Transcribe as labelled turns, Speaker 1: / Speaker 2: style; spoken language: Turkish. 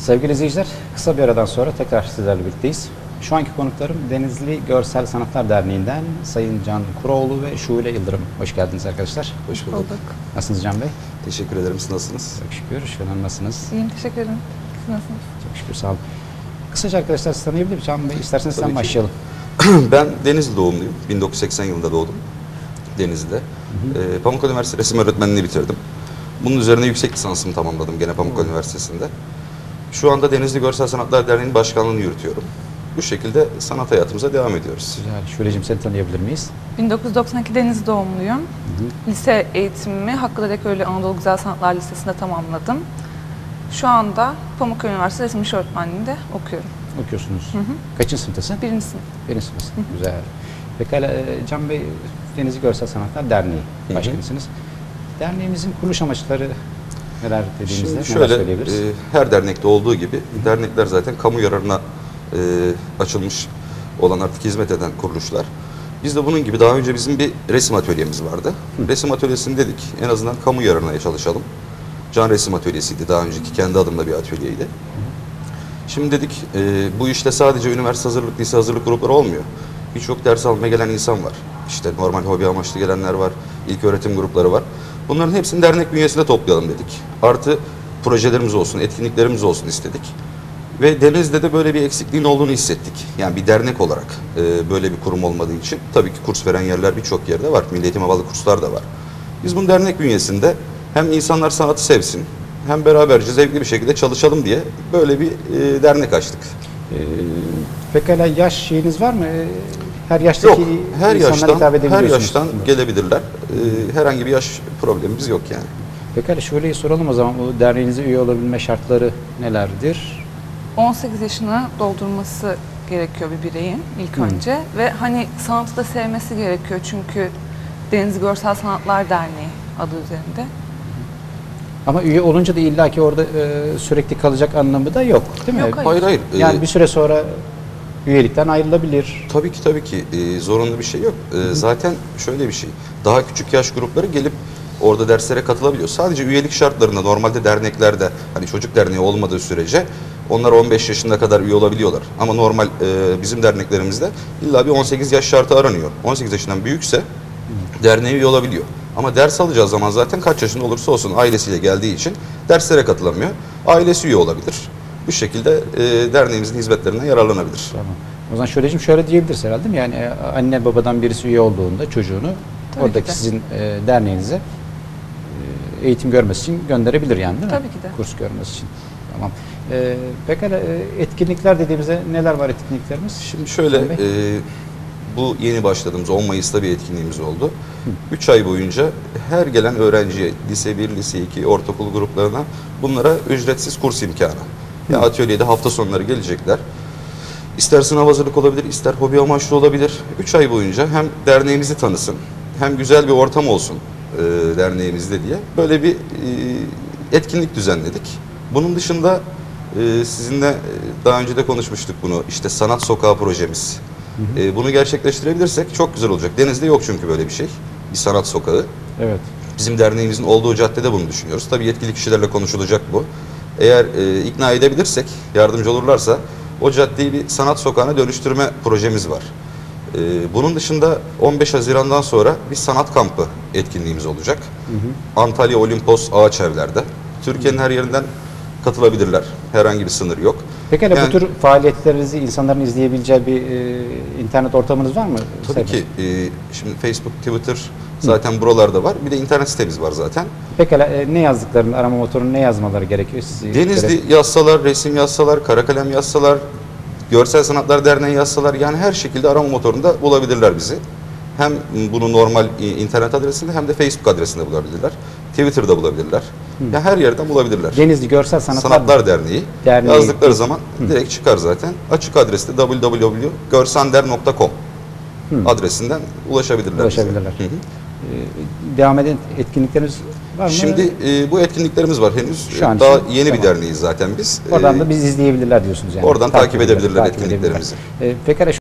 Speaker 1: Sevgili izleyiciler, kısa bir aradan sonra tekrar sizlerle birlikteyiz. Şu anki konuklarım Denizli Görsel Sanatlar Derneği'nden Sayın Can Kuroğlu ve Şule Yıldırım. Hoş geldiniz arkadaşlar.
Speaker 2: Hoş bulduk.
Speaker 1: Nasılsınız Can Bey?
Speaker 2: Teşekkür ederim. Siz nasılsınız?
Speaker 1: Çok şükür. Şule Hanım nasılsınız?
Speaker 3: İyiyim, teşekkür ederim. Siz nasılsınız?
Speaker 1: Çok şükür, sağ olun. Kısaca arkadaşlar sizi tanıyabilir miyim? Can Bey, isterseniz
Speaker 2: Tabii
Speaker 1: sen
Speaker 2: ki.
Speaker 1: başlayalım.
Speaker 2: Ben Denizli doğumluyum. 1980 yılında doğdum. Denizli'de. Pamukkale Üniversitesi Resim Öğretmenliğini bitirdim. Bunun üzerine yüksek lisansımı tamamladım gene Pamukkale Üniversitesi'nde. Şu anda Denizli Görsel Sanatlar Derneği'nin başkanlığını yürütüyorum. Bu şekilde sanat hayatımıza devam ediyoruz.
Speaker 1: Güzel. Şule'cim seni tanıyabilir miyiz?
Speaker 3: 1992 Denizli doğumluyum. Lise eğitimimi Hakkı Dedeköylü Anadolu Güzel Sanatlar Lisesi'nde tamamladım. Şu anda Pamukkale Üniversitesi Resim İş Öğretmenliği'nde okuyorum.
Speaker 1: Okuyorsunuz. Kaçıncı sınıftasın?
Speaker 3: Birinci sınıf.
Speaker 1: Birinci sınıftasın. Güzel. Pekala Can Bey, Denizli Görsel Sanatlar Derneği başkanısınız. Derneğimizin kuruluş amaçları neler dediğimizde
Speaker 2: Şimdi
Speaker 1: neler
Speaker 2: şöyle,
Speaker 1: söyleyebiliriz?
Speaker 2: her dernekte olduğu gibi dernekler zaten kamu yararına açılmış olan, artık hizmet eden kuruluşlar. Biz de bunun gibi daha önce bizim bir resim atölyemiz vardı. Resim atölyesini dedik en azından kamu yararına çalışalım. Can Resim Atölyesi'ydi daha önceki, kendi adımda bir atölyeydi. Şimdi dedik bu işte sadece üniversite hazırlık, lise hazırlık grupları olmuyor. Birçok ders almaya gelen insan var. İşte normal hobi amaçlı gelenler var, ilk öğretim grupları var. Bunların hepsini dernek bünyesinde toplayalım dedik. Artı projelerimiz olsun, etkinliklerimiz olsun istedik. Ve Denizli'de de böyle bir eksikliğin olduğunu hissettik. Yani bir dernek olarak böyle bir kurum olmadığı için tabii ki kurs veren yerler birçok yerde var. Milli Eğitim'e bağlı kurslar da var. Biz bunu dernek bünyesinde hem insanlar sanatı sevsin, hem beraberce zevkli bir şekilde çalışalım diye böyle bir dernek açtık.
Speaker 1: Pekala yaş şeyiniz var mı? Her yaştaki
Speaker 2: Yok, her
Speaker 1: insanlara hitap
Speaker 2: yaştan, her
Speaker 1: edebiliyorsunuz.
Speaker 2: yaştan gelebilirler. Herhangi bir yaş problemimiz yok yani.
Speaker 1: Pekala şöyle soralım o zaman, bu derneğinize üye olabilme şartları nelerdir?
Speaker 3: 18 yaşını doldurması gerekiyor bir bireyin ilk önce. Ve hani sanatı da sevmesi gerekiyor çünkü Denizli Görsel Sanatlar Derneği adı üzerinde.
Speaker 1: Ama üye olunca da illaki orada sürekli kalacak anlamı da yok değil mi?
Speaker 3: Yok,
Speaker 2: Hayır hayır.
Speaker 1: Yani bir süre sonra üyelikten ayrılabilir.
Speaker 2: Tabii ki zorunlu bir şey yok. Zaten şöyle bir şey. Daha küçük yaş grupları gelip orada derslere katılabiliyor. Sadece üyelik şartlarında normalde derneklerde hani çocuk derneği olmadığı sürece onlar 15 yaşına kadar üye olabiliyorlar. Ama normal bizim derneklerimizde illa bir 18 yaş şartı aranıyor. 18 yaşından büyükse derneğe üye olabiliyor. Ama ders alacağı zaman zaten kaç yaşında olursa olsun ailesiyle geldiği için derslere katılamıyor. Ailesi üye olabilir. Bu şekilde derneğimizin hizmetlerinden yararlanabilir.
Speaker 1: Tamam. O zaman şöyle diyebiliriz herhalde değil mi? Yani anne babadan birisi üye olduğunda çocuğunu
Speaker 3: Tabii
Speaker 1: oradaki
Speaker 3: ki de.
Speaker 1: sizin derneğinize eğitim görmesi için gönderebilir yani değil mi?
Speaker 3: Tabii ki de.
Speaker 1: Kurs görmesi için. Tamam. Pekala etkinlikler dediğimizde neler var etkinliklerimiz?
Speaker 2: Şimdi şöyle, bu yeni başladığımız 10 Mayıs'ta bir etkinliğimiz oldu. 3 ay boyunca her gelen öğrenciye, lise 1, lise 2, ortaokul gruplarına bunlara ücretsiz kurs imkanı. Ya atölyede hafta sonları gelecekler. İster sınav hazırlık olabilir, ister hobi amaçlı olabilir. 3 ay boyunca hem derneğimizi tanısın, hem güzel bir ortam olsun derneğimizde diye böyle bir etkinlik düzenledik. Bunun dışında sizinle daha önce de konuşmuştuk bunu. İşte Sanat Sokağı projemiz. Bunu gerçekleştirebilirsek çok güzel olacak. Denizli'de yok çünkü böyle bir şey. Bir sanat sokağı.
Speaker 1: Evet.
Speaker 2: Bizim derneğimizin olduğu caddede bunu düşünüyoruz. Tabii yetkili kişilerle konuşulacak bu. Eğer ikna edebilirsek, yardımcı olurlarsa o caddeyi bir sanat sokağına dönüştürme projemiz var. Bunun dışında 15 Haziran'dan sonra bir sanat kampı etkinliğimiz olacak. Antalya Olimpos Ağaçevler'de. Türkiye'nin her yerinden katılabilirler. Herhangi bir sınır yok.
Speaker 1: Pekala
Speaker 2: Yani,
Speaker 1: bu tür faaliyetlerinizi insanların izleyebileceği bir internet ortamınız var mı?
Speaker 2: tabii ki şimdi Facebook, Twitter zaten buralarda var. Bir de internet sitemiz var zaten.
Speaker 1: Pekala ne yazdıklarını, arama motorunun ne yazmaları gerekiyor?
Speaker 2: Denizli yazsalar, resim yazsalar, kara kalem yazsalar, Görsel Sanatlar Derneği yazsalar, yani her şekilde arama motorunda bulabilirler bizi. Hem bunu normal internet adresinde hem de Facebook adresinde bulabilirler. Twitter'da bulabilirler. Yani her yerden bulabilirler.
Speaker 1: Denizli Görsel
Speaker 2: Sanatlar Derneği yazdıkları zaman direkt çıkar zaten. Açık adreste www.görsander.com adresinden ulaşabilirler.
Speaker 1: Ulaşabilirler. Devam eden etkinlikleriniz var mı?
Speaker 2: Şimdi bu etkinliklerimiz var henüz.
Speaker 1: Şu an
Speaker 2: Daha
Speaker 1: için,
Speaker 2: yeni
Speaker 1: tamam.
Speaker 2: bir derneğiz zaten biz.
Speaker 1: Oradan da biz izleyebilirler diyorsunuz yani.
Speaker 2: Oradan takip edebilirler etkinliklerimizi.
Speaker 1: Pekala